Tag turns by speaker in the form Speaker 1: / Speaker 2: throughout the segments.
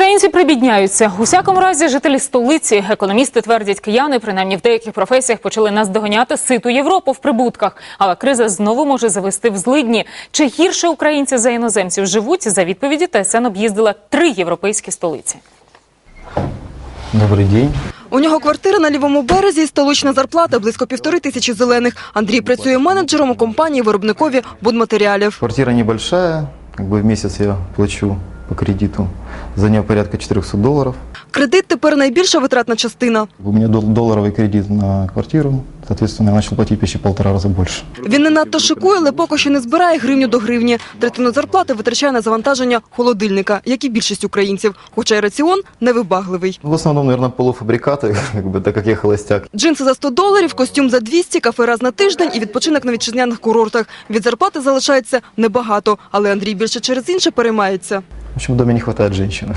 Speaker 1: Українці прибідняються. У всякому разі, жителі столиці, економісти твердять, кияни, принаймні в деяких професіях, почали наздоганяти ситу Європу в прибутках. Але криза знову може завести в злидні. Чи гірше українці за іноземців живуть? За відповіді ТСН об'їздила 3 європейські столиці.
Speaker 2: Добрий день.
Speaker 3: У нього квартира на Лівому березі і столична зарплата – близько 1500 зелених. Андрій працює менеджером у компанії-виробникові будматеріалів.
Speaker 2: Квартира небольшая, в месяц я плачу по кредиту. За нее порядка $400.
Speaker 3: Кредит тепер найбільша витратна частина.
Speaker 2: У меня долларовый кредит на квартиру, соответственно, я начал платить почти 1,5 раза больше.
Speaker 3: Він не надто шикує, але поки що не збирає гривню до гривні. Третину зарплати витрачає на завантаження холодильника, як і більшість українців. Хоча й раціон невибагливий.
Speaker 2: В основном, наверное, полуфабрикаты, так как я холостяк.
Speaker 3: Джинси за $100, костюм за 200, кафе раз на тиждень і відпочинок на вітчизняних курортах. Від зарплати залишається небагато, але Андрій більше через інше переймається.
Speaker 2: В общем, в доме не хватает женщины.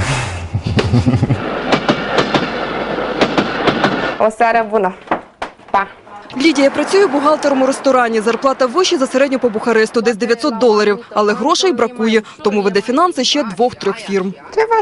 Speaker 3: Лідія працює бухгалтером у ресторані. Зарплата вища за середню по Бухаресту, десь $900. Але грошей бракує, тому веде фінанси ще 2-3 фірм.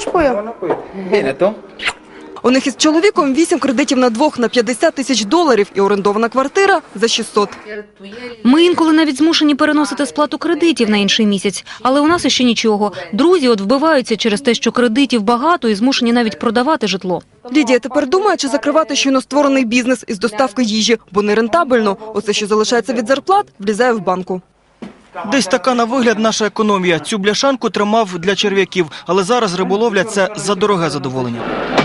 Speaker 3: У них із чоловіком 8 кредитів на двох на $50 000 і орендована квартира за 600.
Speaker 4: Ми інколи навіть змушені переносити сплату кредитів на інший місяць. Але у нас іще нічого. Друзі вбиваються через те, що кредитів багато і змушені навіть продавати житло.
Speaker 3: Лідія тепер думає, чи закривати щойно створений бізнес із доставки їжі, бо нерентабельно. Оце, що залишається від зарплат, влізає в банку.
Speaker 5: Десь така на вигляд наша економія. Цю бляшанку тримав для черв'яків, але зараз риболовля – це за дороге задоволення.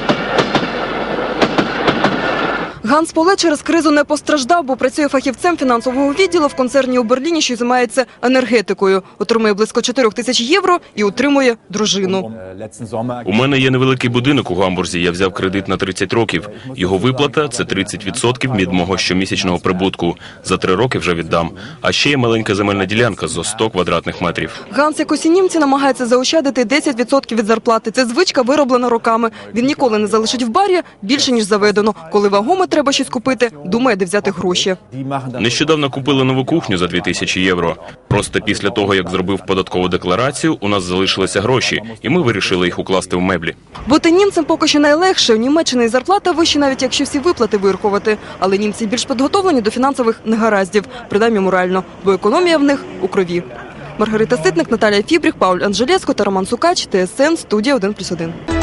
Speaker 3: Ганс Поле через кризу не постраждав, бо працює фахівцем фінансового відділу в концерні у Берліні, що займається енергетикою. Отримує близько 4000 євро і утримує дружину.
Speaker 6: У мене є невеликий будинок у Гамбурзі. Я взяв кредит на 30 років. Його виплата – це 30% від мого щомісячного прибутку. За 3 роки вже віддам. А ще є маленька земельна ділянка зо 100 квадратних метрів.
Speaker 3: Ганс, як усі німці, намагається заощадити 10% від зарплати. Це звичка, вироблена роками. Він ніколи не залишить в барі більше, ніж заведено. Коли вагомо треба щось купити, думає, де взяти гроші.
Speaker 6: Нещодавно купили нову кухню за 2000 євро. Просто після того, як зробив податкову декларацію, у нас залишилися гроші, і ми вирішили їх укласти в меблі.
Speaker 3: Бути німцем поки що найлегше. У Німеччині зарплата вища, навіть якщо всі виплати вирахувати. Але німці більш підготовлені до фінансових негараздів, принаймні морально, бо економія в них у крові. Маргарита Ситник, Наталія Фібріх, Пауль Анжелєско та Роман Сукач, ТСН, студія 1+1.